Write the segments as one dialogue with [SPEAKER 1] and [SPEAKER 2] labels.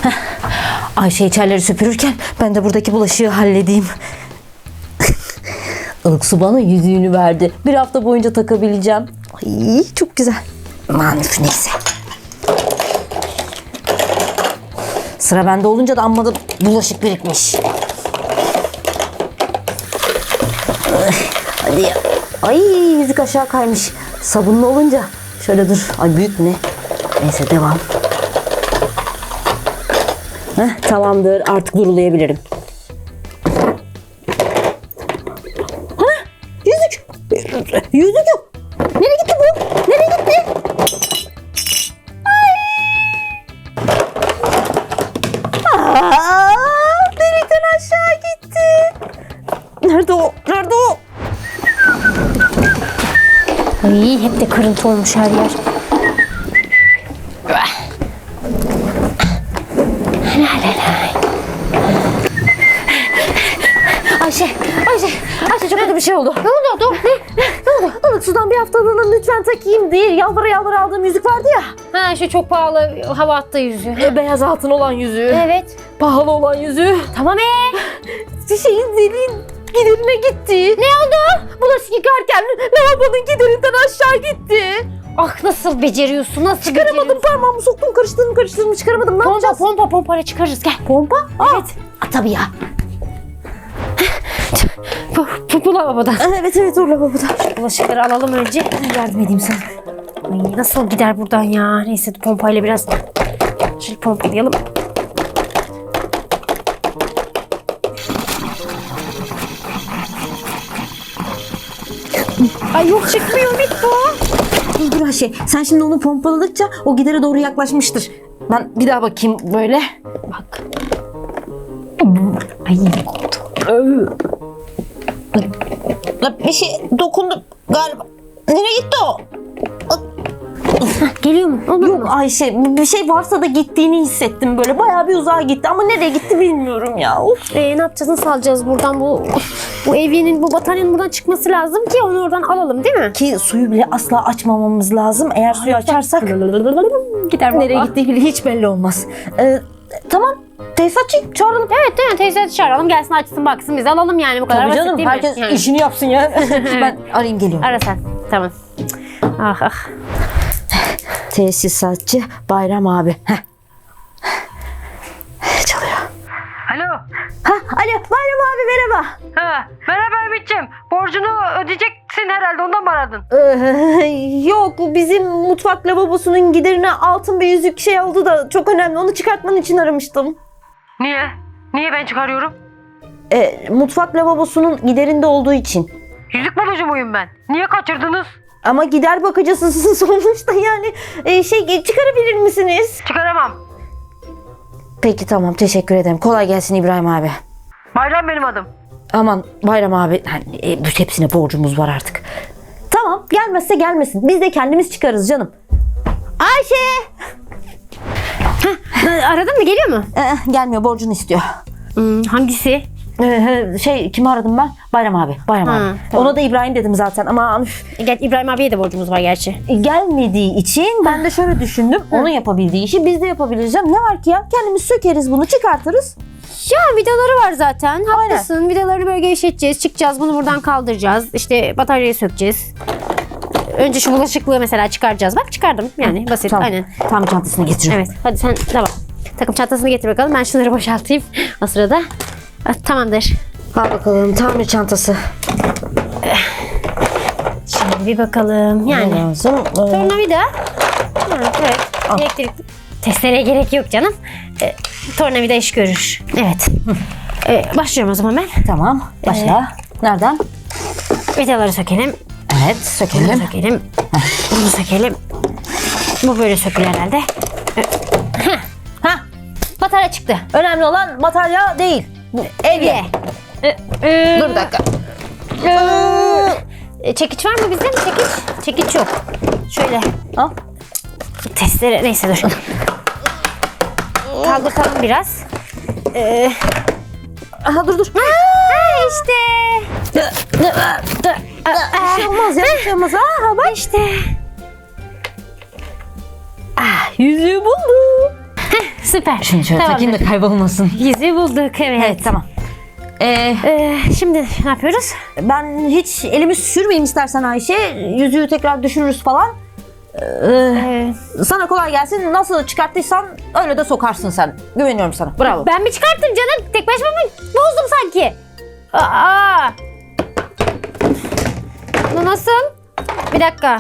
[SPEAKER 1] Ayşe içerileri süpürürken ben de buradaki bulaşığı halledeyim. Ilık su bana yüzüğünü verdi. Bir hafta boyunca takabileceğim. Ay, çok güzel. Aman neyse. Sıra bende olunca da amma da bulaşık birikmiş. Hadi ya. Ay, yüzük aşağı kaymış. Sabunlu olunca. Şöyle dur. Ay, büyük mü ne? Neyse, devam. Tamamdır. Artık durulayabilirim. Yüzük. Yüzük yok. Nereye gitti bu? Nereye gitti? Delikten aşağı gitti. Nerede o? Nerede o?
[SPEAKER 2] Ay, hep de kırıntı olmuş her yer.
[SPEAKER 1] Ayşe çok kötü bir şey oldu.
[SPEAKER 2] Ne oldu?
[SPEAKER 1] Ne oldu? Ilık sudan bir haftalığına lütfen takayım diye yalvara aldığım yüzük vardı ya.
[SPEAKER 2] Ha, şu çok pahalı hava attığı yüzüğü.
[SPEAKER 1] Beyaz altın olan yüzüğü.
[SPEAKER 2] Evet.
[SPEAKER 1] Pahalı olan yüzüğü.
[SPEAKER 2] Tamam
[SPEAKER 1] Şeyin deliğin giderine gitti.
[SPEAKER 2] Ne oldu?
[SPEAKER 1] Bulaşık yıkarken lavabonun giderinden aşağı gitti.
[SPEAKER 2] Ah, nasıl beceriyorsun? Nasıl
[SPEAKER 1] Çıkaramadım, parmağımı soktum, karıştırdım çıkaramadım. Ne yapacağız?
[SPEAKER 2] Pompayla çıkarırız, gel.
[SPEAKER 1] Pompa?
[SPEAKER 2] Evet.
[SPEAKER 1] Tabii ya.
[SPEAKER 2] Bu lavaboda.
[SPEAKER 1] Evet o lavaboda.
[SPEAKER 2] Bulaşıkları alalım önce.
[SPEAKER 1] Yardım edeyim sana.
[SPEAKER 2] Ay, nasıl gider buradan ya? Neyse, pompayla biraz şöyle pompalayalım. Ay yok, çıkmıyor, bitti o.
[SPEAKER 1] Dur Ayşe, sen şimdi onu pompaladıkça o gidere doğru yaklaşmıştır. Ben bir daha bakayım böyle.
[SPEAKER 2] Bak. Ay, oldu.
[SPEAKER 1] Bir şey dokundu galiba. Nereye gitti o?
[SPEAKER 2] Geliyor mu? Olur
[SPEAKER 1] Yok
[SPEAKER 2] mu?
[SPEAKER 1] Ayşe, bir şey varsa da gittiğini hissettim böyle. Bayağı bir uzağa gitti ama nereye gitti bilmiyorum ya. Of.
[SPEAKER 2] Ne yapacağız? Nasıl alacağız buradan bu evyenin, bu bataryanın buradan çıkması lazım ki onu oradan alalım, değil mi?
[SPEAKER 1] Ki suyu bile asla açmamamız lazım. Eğer suyu açarsak
[SPEAKER 2] Gider vallahi.
[SPEAKER 1] nereye gittiği bile hiç belli olmaz. Tamam. Tesisatçı çağıralım.
[SPEAKER 2] Evet, değil mi? Teyze çağıralım, gelsin açsın baksın, biz alalım yani, bu kadar
[SPEAKER 1] Tabii
[SPEAKER 2] basit
[SPEAKER 1] canım,
[SPEAKER 2] değil mi?
[SPEAKER 1] herkes
[SPEAKER 2] Yani.
[SPEAKER 1] işini yapsın ya. Ben arayayım geliyorum.
[SPEAKER 2] Ara sen. Tamam. Ah.
[SPEAKER 1] Tesisatçı Bayram abi. Çalıyor.
[SPEAKER 3] Alo.
[SPEAKER 1] Alo Bayram abi, merhaba.
[SPEAKER 3] Merhaba Ümit'ciğim. Borcunu ödeyeceksin herhalde, ondan mı aradın?
[SPEAKER 1] Yok, bizim mutfak lavabosunun giderine altın bir yüzük şey oldu da çok önemli. Onu çıkartman için aramıştım.
[SPEAKER 3] Niye? Niye ben çıkarıyorum?
[SPEAKER 1] Mutfak lavabosunun giderinde olduğu için.
[SPEAKER 3] Yüzük bulucu muyum ben? Niye kaçırdınız?
[SPEAKER 1] Ama gider bakıcısısın sonuçta yani. Çıkarabilir misiniz?
[SPEAKER 3] Çıkaramam.
[SPEAKER 1] Peki tamam, teşekkür ederim. Kolay gelsin İbrahim abi.
[SPEAKER 3] Bayram benim adım.
[SPEAKER 1] Aman Bayram abi, hepsine borcumuz var artık. Tamam, gelmezse gelmesin. Biz de kendimiz çıkarız canım. Ayşe!
[SPEAKER 2] Aradın mı? Geliyor mu?
[SPEAKER 1] Gelmiyor, borcunu istiyor.
[SPEAKER 2] Hangisi?
[SPEAKER 1] Kimi aradım ben? Bayram abi. Bayram abi.
[SPEAKER 2] Tamam.
[SPEAKER 1] Ona da İbrahim dedim zaten ama
[SPEAKER 2] İbrahim abiye de borcumuz var gerçi.
[SPEAKER 1] gelmediği için ben de şöyle düşündüm. Onun yapabildiği işi biz de yapabiliriz. Ne var ki ya? Kendimiz sökeriz bunu, çıkartırız.
[SPEAKER 2] Ya vidaları var zaten. Haklısın. Vidaları böyle gevşeteceğiz, çıkacağız, bunu buradan kaldıracağız. İşte bataryayı sökeceğiz. Önce şu bulaşıklığı mesela çıkaracağız. Bak, çıkardım. Yani basit.
[SPEAKER 1] Tamam.
[SPEAKER 2] Aynen.
[SPEAKER 1] Tam çantasını getiriyorum.
[SPEAKER 2] Evet. Hadi sen tamam. Takım çantasını getir bakalım. Ben şunları boşaltayım o sırada. Tamamdır.
[SPEAKER 1] Al bakalım tamir çantası.
[SPEAKER 2] Şimdi bir bakalım.
[SPEAKER 1] Ne
[SPEAKER 2] Yani
[SPEAKER 1] lazım?
[SPEAKER 2] tornavida. Evet. Elektrik testereye gerek yok canım. Tornavida iş görür. Evet. Başlıyorum o zaman ben.
[SPEAKER 1] Tamam. Başla. Nereden?
[SPEAKER 2] Vidaları sökelim.
[SPEAKER 1] Evet,
[SPEAKER 2] Bunu
[SPEAKER 1] sökelim.
[SPEAKER 2] sökelim. Bunu sökelim. Bu böyle sökülür herhalde. Batarya çıktı.
[SPEAKER 1] Önemli olan batarya değil. Bu evye. Dur bir dakika.
[SPEAKER 2] Çekiç var mı bizde? Çekiç. Çekiç yok. Şöyle.
[SPEAKER 1] Al.
[SPEAKER 2] Testere. Neyse dur. Kaldırtalım biraz.
[SPEAKER 1] Aha dur.
[SPEAKER 2] İşte.
[SPEAKER 1] Bir şey olmaz ya, bir şey olmaz. Bak.
[SPEAKER 2] İşte.
[SPEAKER 1] Yüzüğü buldum.
[SPEAKER 2] Süper.
[SPEAKER 1] Şunu şöyle
[SPEAKER 2] Tamamdır.
[SPEAKER 1] takayım da kaybolmasın.
[SPEAKER 2] Yüzüğü bulduk, evet.
[SPEAKER 1] Evet tamam.
[SPEAKER 2] Şimdi ne yapıyoruz?
[SPEAKER 1] Ben hiç elimi sürmeyeyim istersen Ayşe. Yüzüğü tekrar düşünürüz falan. Sana kolay gelsin. Nasıl çıkarttıysan öyle de sokarsın sen. Güveniyorum sana. Bravo.
[SPEAKER 2] Ben mi çıkarttım canım? Tek başıma mı bozdum sanki? Aa! Bu nasıl? Bir dakika.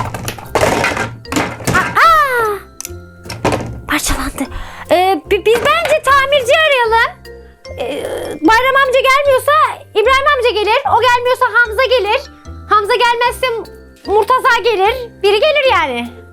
[SPEAKER 2] Aa! Parçalandı. Biz bence tamirci arayalım. Bayram amca gelmiyorsa İbrahim amca gelir. O gelmiyorsa Hamza gelir. Hamza gelmezse Murtaza gelir. Biri gelir yani.